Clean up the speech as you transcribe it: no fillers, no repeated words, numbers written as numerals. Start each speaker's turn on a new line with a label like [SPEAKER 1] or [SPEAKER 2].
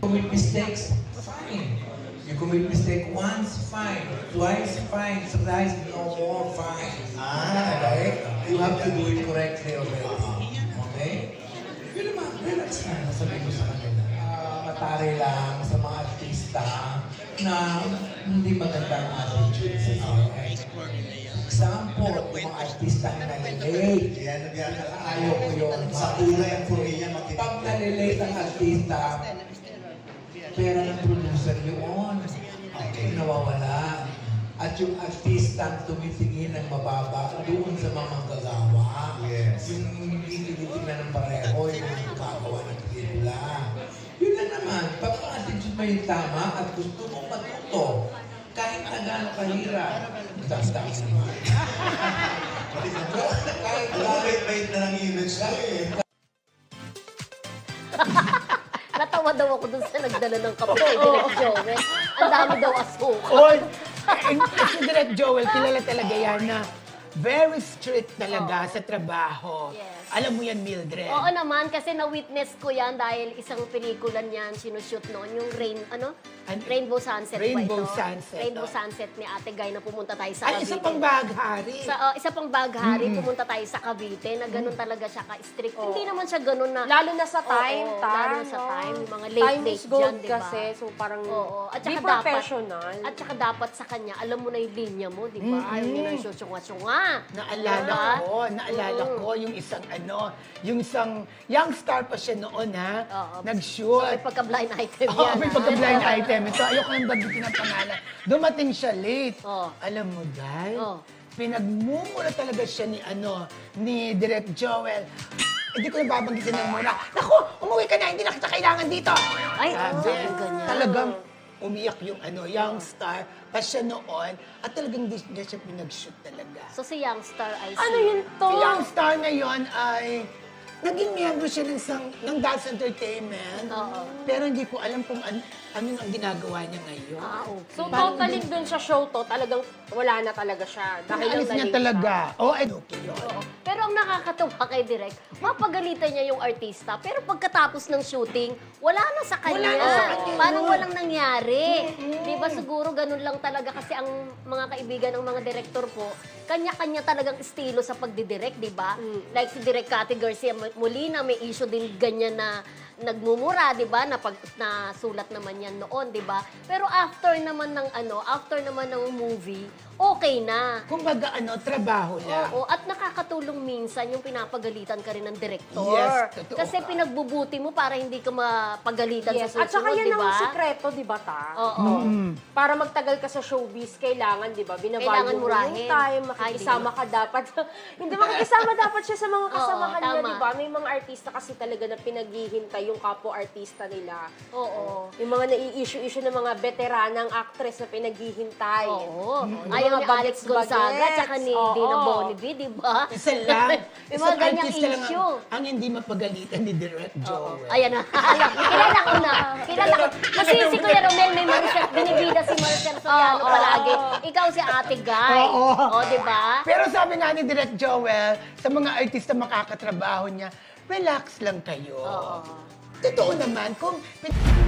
[SPEAKER 1] commit mistakes, fine. You commit mistake once, fine. Twice, fine. Thrice, no more, fine. Okay? You have to do it correctly already. Okay? Yun naman, relax na. Sabi ko sa kanila. Matari lang sa mga artista na hindi magandang attitude sa iyo. Example, yung mga artista na nalilate. Ayaw ko yun.
[SPEAKER 2] Sa kulay ang Korea,
[SPEAKER 1] Pag nalilate ang artista, pera ng producer yun. Nawawala. At yung artista tumitingin ng mababa doon sa mga manggagawa.
[SPEAKER 2] Yes.
[SPEAKER 1] Yung hindi tinitingnan ng pareho, yung gagawa ng pelikula. Yun lang naman. Pag ang attitude mo yung tama at gusto mong matuto, kahit na gano'ng kahirap, taas-taas naman. Kahit
[SPEAKER 2] Bait na ng image ko eh.
[SPEAKER 3] Natawa daw ako dun sa nagdala ng kape kay Direk Joel. Ang dami daw asukal.
[SPEAKER 4] Oy, si Direk Joel, kilala talaga yan na very strict talaga sa trabaho.
[SPEAKER 3] Yes.
[SPEAKER 4] Alam mo yan, Mildred.
[SPEAKER 3] Oo naman, kasi na-witness ko yan dahil isang pelikula niyan sinushoot noon, yung Rainbow Sunset
[SPEAKER 4] Rainbow
[SPEAKER 3] ba ito?
[SPEAKER 4] Sunset,
[SPEAKER 3] Rainbow
[SPEAKER 4] oh.
[SPEAKER 3] Sunset ni Ate Guy na pumunta tayo sa
[SPEAKER 4] Ay,
[SPEAKER 3] Cavite.
[SPEAKER 4] isa pang baghari.
[SPEAKER 3] Isa pang baghari, pumunta tayo sa Cavite na ganun talaga siya ka-strict. Hindi naman siya ganun na...
[SPEAKER 5] Lalo na sa time,
[SPEAKER 3] Oo,
[SPEAKER 5] Tar,
[SPEAKER 3] lalo na sa
[SPEAKER 5] no?
[SPEAKER 3] time, yung mga
[SPEAKER 5] Time
[SPEAKER 3] late
[SPEAKER 5] is gold
[SPEAKER 3] dyan, di ba?
[SPEAKER 5] kasi, so parang
[SPEAKER 3] Oo. At
[SPEAKER 5] be
[SPEAKER 3] saka dapat,
[SPEAKER 5] professional.
[SPEAKER 3] at saka dapat sa kanya, alam mo na yung linya mo, di ba? Ayaw niya na syunga-syunga.
[SPEAKER 4] Naalala
[SPEAKER 3] Diba?
[SPEAKER 4] ko yung isang yung isang young star pa siya noon ha,
[SPEAKER 3] Oo.
[SPEAKER 4] nag-shoot.
[SPEAKER 3] May pagka-blind item
[SPEAKER 4] Oo,
[SPEAKER 3] yan.
[SPEAKER 4] may pagka-blind item. So, ayoko nang bagitin ang pangalan. Dumating siya late.
[SPEAKER 3] Oo.
[SPEAKER 4] Alam mo, Dal,
[SPEAKER 3] Oo.
[SPEAKER 4] pinagmumura talaga siya ni Direk Joel. Hindi ko na babanggitin ng mura. Naku, umuwi ka na, hindi na kita kailangan dito.
[SPEAKER 3] Ay,
[SPEAKER 4] Sabi,
[SPEAKER 3] sabi ganyan.
[SPEAKER 4] talagang umiyak yung young star pa siya noon at talagang di siya pinag-shoot talaga.
[SPEAKER 3] So si Youngstar ay si...
[SPEAKER 5] Ano yun to?
[SPEAKER 4] Si young star ngayon ay naging miyembro siya ng Dance Entertainment.
[SPEAKER 3] Oo.
[SPEAKER 4] Pero hindi ko alam kung ano ang ginagawa niya ngayon.
[SPEAKER 3] Okay.
[SPEAKER 5] So,
[SPEAKER 4] Parang
[SPEAKER 5] totally dun sa show to, talagang wala na talaga siya. Dahil
[SPEAKER 4] Naalis
[SPEAKER 5] lang
[SPEAKER 4] niya
[SPEAKER 5] na-late
[SPEAKER 4] talaga.
[SPEAKER 5] siya.
[SPEAKER 4] Oo, okay yun.
[SPEAKER 3] Oo. Pero ang nakakatuwa kay Direk, mapagalitan niya yung artista, pero pagkatapos ng shooting, wala na sa kanya.
[SPEAKER 4] Wala na sa kanya.
[SPEAKER 3] Parang walang nangyari. Di ba siguro ganun lang talaga kasi ang mga kaibigan ng mga direktor po, kanya-kanya talagang estilo sa pagdidirect, di ba? Like si Direk Cathy Garcia Molina, may issue din ganyan na nagmumura, 'di ba? Na sulat naman 'yan noon, 'di ba? Pero after naman ng movie, okay na.
[SPEAKER 4] Kumbaga, trabaho lang.
[SPEAKER 3] Oo, at nakakatulong minsan yung pinapagalitan ka rin ng direktor.
[SPEAKER 4] Yes, totoo
[SPEAKER 3] Kasi
[SPEAKER 4] ka.
[SPEAKER 3] pinagbubuti mo para hindi ka mapagalitan
[SPEAKER 5] Yes.
[SPEAKER 3] sa
[SPEAKER 5] At saka
[SPEAKER 3] susunod,
[SPEAKER 5] yan
[SPEAKER 3] di ba?
[SPEAKER 5] ang sikreto, di ba, Ta?
[SPEAKER 3] Oo.
[SPEAKER 5] Para magtagal ka sa showbiz, kailangan, di ba,
[SPEAKER 3] Kailangan
[SPEAKER 5] binavalue mo
[SPEAKER 3] murahin.
[SPEAKER 5] yung time, makikisama ka dapat. Hindi, makikisama dapat siya sa mga kasamahan niya,
[SPEAKER 3] tama.
[SPEAKER 5] di ba? May mga artista kasi talaga na pinaghihintay yung kapwa-artista nila.
[SPEAKER 3] Oo.
[SPEAKER 5] Yung mga nai-issue-issue ng mga veteranang actress na pinaghihintay.
[SPEAKER 3] Oo.
[SPEAKER 5] Yung
[SPEAKER 3] Ayaw
[SPEAKER 5] mga
[SPEAKER 3] ni Alex
[SPEAKER 5] bagets-bagets.
[SPEAKER 3] Gonzaga tsaka ni
[SPEAKER 5] Oo.
[SPEAKER 3] Dina Bonnevie, di ba?
[SPEAKER 4] Isa lang.
[SPEAKER 3] Yung mga
[SPEAKER 4] Isang
[SPEAKER 3] ganyang
[SPEAKER 4] artista lang
[SPEAKER 3] issue.
[SPEAKER 4] ang hindi mapagalitan ni Direk Joel.
[SPEAKER 3] Ayan na. Kilala ko na. Kilala ko. Kasi si Kuya Romel, may Maricel, binibida si Maricel Soriano palagi. Ikaw si Ate Guy.
[SPEAKER 4] Oo.
[SPEAKER 3] O, di ba?
[SPEAKER 4] Pero sabi nga ni Direk Joel, sa mga artista makakatrabaho niya, relax lang kayo.
[SPEAKER 3] Oo.
[SPEAKER 4] Totoo naman, kung